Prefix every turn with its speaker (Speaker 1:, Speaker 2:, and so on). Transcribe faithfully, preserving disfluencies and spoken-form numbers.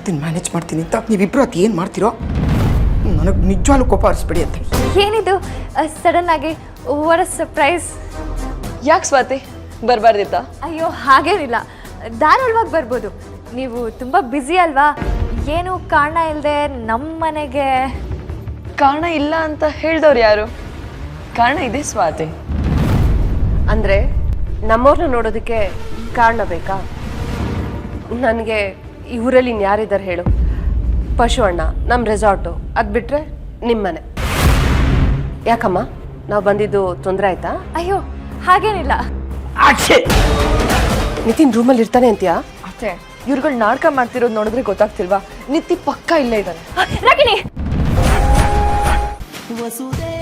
Speaker 1: ಮಾಡ್ತೀನಿ ಮ್ಯಾನೇಜ್ ಮಾಡ್ತೀನಿ ಅಂತ ನೀವಿಬ್ಬರು ಅದು ಏನು ಮಾಡ್ತೀರೋ ನನಗೆ ನಿಜವಾಗ್ಲೂ ಕೋಪ ಹರಿಸ್ಬೇಡಿ ಅಂತ.
Speaker 2: ಏನಿದು ಸಡನ್ ಆಗಿ ವಾಟ್ ಅ ಸರ್ಪ್ರೈಸ್.
Speaker 3: ಯಾಕೆ ಸ್ವಾತಿ ಬರಬಾರ್ದಿತ್ತಾ?
Speaker 2: ಅಯ್ಯೋ ಹಾಗೇನಿಲ್ಲ, ಧಾರಾಳವಾಗಿ ಬರ್ಬೋದು. ನೀವು ತುಂಬ ಬ್ಯುಸಿ ಅಲ್ವಾ, ಏನು ಕಾರಣ ಇಲ್ಲದೆ ನಮ್ಮ ಮನೆಗೆ.
Speaker 3: ಕಾರಣ ಇಲ್ಲ ಅಂತ ಹೇಳ್ದವ್ರು ಯಾರು? ಕಾರಣ ಇದೆ ಸ್ವಾತಿ.
Speaker 4: ಅಂದರೆ ನಮ್ಮವ್ರನ್ನ ನೋಡೋದಕ್ಕೆ ಕಾರಣ ಬೇಕಾ? ನನಗೆ ಈ ಊರಲ್ಲಿ ಇನ್ಯಾರಿದ್ದಾರೆ ಹೇಳು? ಪಶು ಅಣ್ಣ, ನಮ್ಮ ರೆಸಾರ್ಟು, ಅದು ಬಿಟ್ಟರೆ ನಿಮ್ಮನೆ. ಯಾಕಮ್ಮ ನಾವು ಬಂದಿದ್ದು ತೊಂದರೆ ಆಯ್ತಾ?
Speaker 2: ಅಯ್ಯೋ ಹಾಗೇನಿಲ್ಲ.
Speaker 4: ನಿತಿನ್ ರೂಮಲ್ಲಿ ಇರ್ತಾನೆ ಅಂತೀಯಾ?
Speaker 3: ಅತ್ತೆ, ಇವ್ರುಗಳು ನಾಟಕ ಮಾಡ್ತಿರೋದು ನೋಡಿದ್ರೆ ಗೊತ್ತಾಗ್ತಿಲ್ವಾ? ನಿತ್ತಿ ಪಕ್ಕ ಇಲ್ಲೇ ಇದ್ದಾನೆ.
Speaker 2: ರಾಗಿಣಿ
Speaker 5: ವಸುದೇ